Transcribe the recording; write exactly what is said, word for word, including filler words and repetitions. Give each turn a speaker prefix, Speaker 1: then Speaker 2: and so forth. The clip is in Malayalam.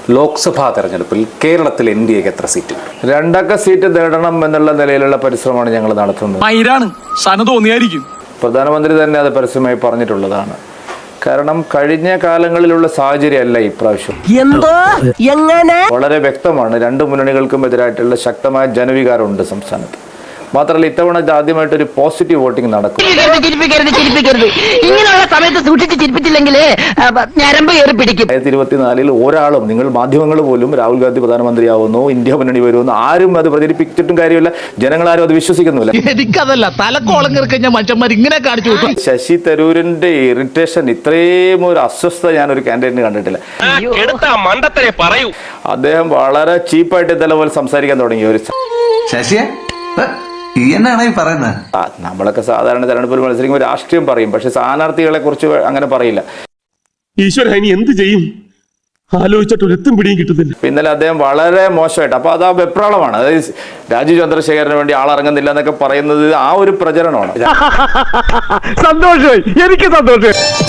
Speaker 1: ലോക്സഭാ തെരഞ്ഞെടുപ്പിൽ കേരളത്തിൽ എൻ ഡി എക്ക് എത്ര സീറ്റ്?
Speaker 2: രണ്ടക്ക സീറ്റ് നേടണം എന്നുള്ള നിലയിലുള്ള പരിശ്രമമാണ് ഞങ്ങൾ നടത്തുന്നത്.
Speaker 3: തോന്നിയായിരിക്കും
Speaker 2: പ്രധാനമന്ത്രി തന്നെ അത് പരസ്യമായി പറഞ്ഞിട്ടുള്ളതാണ്. കാരണം കഴിഞ്ഞ കാലങ്ങളിലുള്ള സാഹചര്യമല്ല ഇപ്രാവശ്യം.
Speaker 4: എന്തോ എങ്ങനെ
Speaker 2: വളരെ വ്യക്തമാണ്. രണ്ട് മുന്നണികൾക്കും എതിരായിട്ടുള്ള ശക്തമായ ജനവികാരമുണ്ട് സംസ്ഥാനത്ത്. മാത്രമല്ല ഇത്തവണ ആദ്യമായിട്ട് ഒരു പോസിറ്റീവ് വോട്ടിംഗ് നടക്കും.
Speaker 4: ഇങ്ങനെയുള്ള സമയത്ത് സൂക്ഷിച്ച് ചിരിപ്പിച്ചില്ലെങ്കിൽ ഞരമ്പ് കയറി പിടിക്കും.
Speaker 2: രണ്ടായിരത്തി ഇരുപത്തിനാലിൽ ഒരാളും, നിങ്ങൾ മാധ്യമങ്ങൾ പോലും രാഹുൽ ഗാന്ധി പ്രധാനമന്ത്രിയാവുന്നു, ഇന്ത്യ മുന്നണി വരുമെന്ന് ആരും അത് പ്രചരിപ്പിച്ചിട്ടും കാര്യമില്ല. ജനങ്ങളാരും അത് വിശ്വസിക്കുന്നില്ല.
Speaker 3: എനിക്കതല്ല തലക്കോളം കിറക്കഞ്ഞ മനുഷ്യന്മാർ ഇങ്ങനെ കാണിച്ചു.
Speaker 2: ശശി തരൂരിന്റെ ഇറിറ്റേഷൻ, ഇത്രയും ഒരു അസ്വസ്ഥത ഞാൻ ഒരു കാൻഡിഡേറ്റിന് കണ്ടിട്ടില്ല. അദ്ദേഹം വളരെ ചീപ്പായിട്ട് ഇതെല്ലാം പോലെ സംസാരിക്കാൻ തുടങ്ങി. ഒരു
Speaker 5: ശശിയെ എന്നാണ് ഈ പറയുന്നത്?
Speaker 2: നമ്മളൊക്കെ സാധാരണ തെരഞ്ഞെടുപ്പിൽ മത്സരിക്കുമ്പോൾ രാഷ്ട്രീയം പറയും, പക്ഷെ സ്ഥാനാർത്ഥികളെ കുറിച്ച് അങ്ങനെ പറയില്ല.
Speaker 6: ഈശ്വര ഇനി എന്ത് ചെയ്യും ആലോചിച്ചിട്ട് ഒരെത്തും പിടിയും കിട്ടുന്നില്ല.
Speaker 2: ഇന്നലെ അദ്ദേഹം വളരെ മോശമായിട്ട്, അപ്പൊ അത് ആ വെപ്രാളമാണ്. അതായത് രാജീവ് ചന്ദ്രശേഖരന് വേണ്ടി ആളിറങ്ങുന്നില്ല എന്നൊക്കെ പറയുന്നത് ആ ഒരു പ്രചരണമാണ്.
Speaker 6: സന്തോഷമായി, എനിക്ക് സന്തോഷം.